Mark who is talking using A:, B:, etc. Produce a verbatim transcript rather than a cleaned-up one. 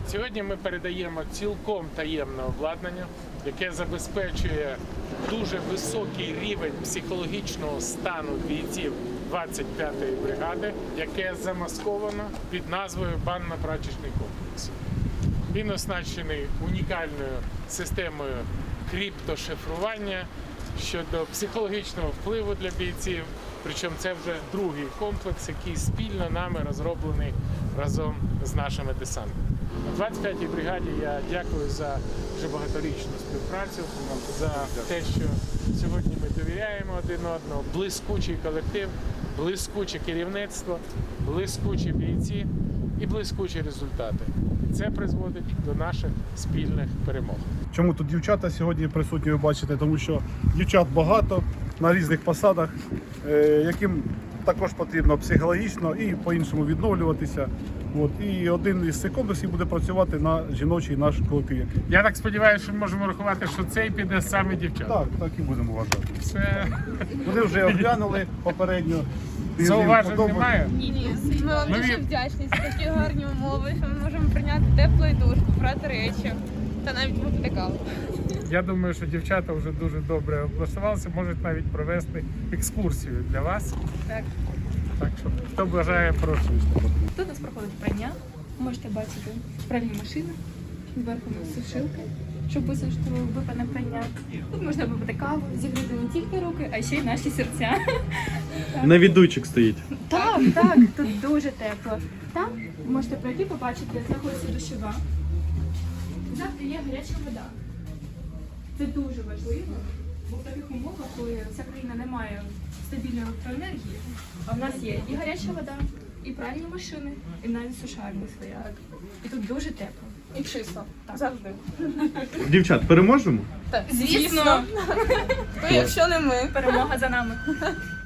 A: Сьогодні ми передаємо цілком таємне обладнання, яке забезпечує дуже високий рівень психологічного стану бійців двадцять п'ятої бригади, яке замасковано під назвою банно-прачечний комплекс. Він оснащений унікальною системою криптошифрування щодо психологічного впливу для бійців. Причому це вже другий комплекс, який спільно нами розроблений разом з нашими десантами. У двадцять п'ятій бригаді я дякую за вже багаторічну співпрацю, за те, що сьогодні ми довіряємо один одному. Блискучий колектив, блискуче керівництво, блискучі бійці і блискучі результати. Це призводить до наших спільних перемог.
B: Чому тут дівчата сьогодні присутні, ви бачите, тому що дівчат багато на різних посадах, яким також потрібно психологічно і по-іншому відновлюватися. От. І один із цих комплексів буде працювати на жіночий наш колектив.
A: Я так сподіваюся, що ми можемо рахувати, що цей піде саме дівчата.
B: Так, так і будемо вважати.
A: Це...
B: Вони вже оглянули попередньо.
A: Зауважень немає?
C: Ні, ні. Ми вам
A: Ми
C: дуже
A: від-
C: вдячні за такі гарні умови, що ми можемо прийняти теплий душ, попрати речі та навіть випити каву.
A: Я думаю, що дівчата вже дуже добре облаштувалися, можуть навіть провести екскурсію для вас.
C: Так.
A: Так що, хто бажає, прошу.
D: Тут у нас проходить прання. Можете бачити пральні машини, зверху у нас сушилка, щоб висушити випане прання. Тут можна випити каву, зігріти не тільки руки, а ще й наші серця.
E: Навідуйчик стоїть.
D: Так, так, тут дуже тепло. Там можете пройти, побачити, знаходиться душова. Завжди є гаряча вода. Це дуже важливо, бо в таких умовах, коли вся країна не має стабільної електроенергії, а в нас є і гаряча вода, і пральні машини, і навіть сушарні своя. І тут дуже тепло.
C: І чисто. Завжди.
E: Дівчат, переможемо?
C: Так, звісно. Хто, якщо не ми.
D: Перемога за нами.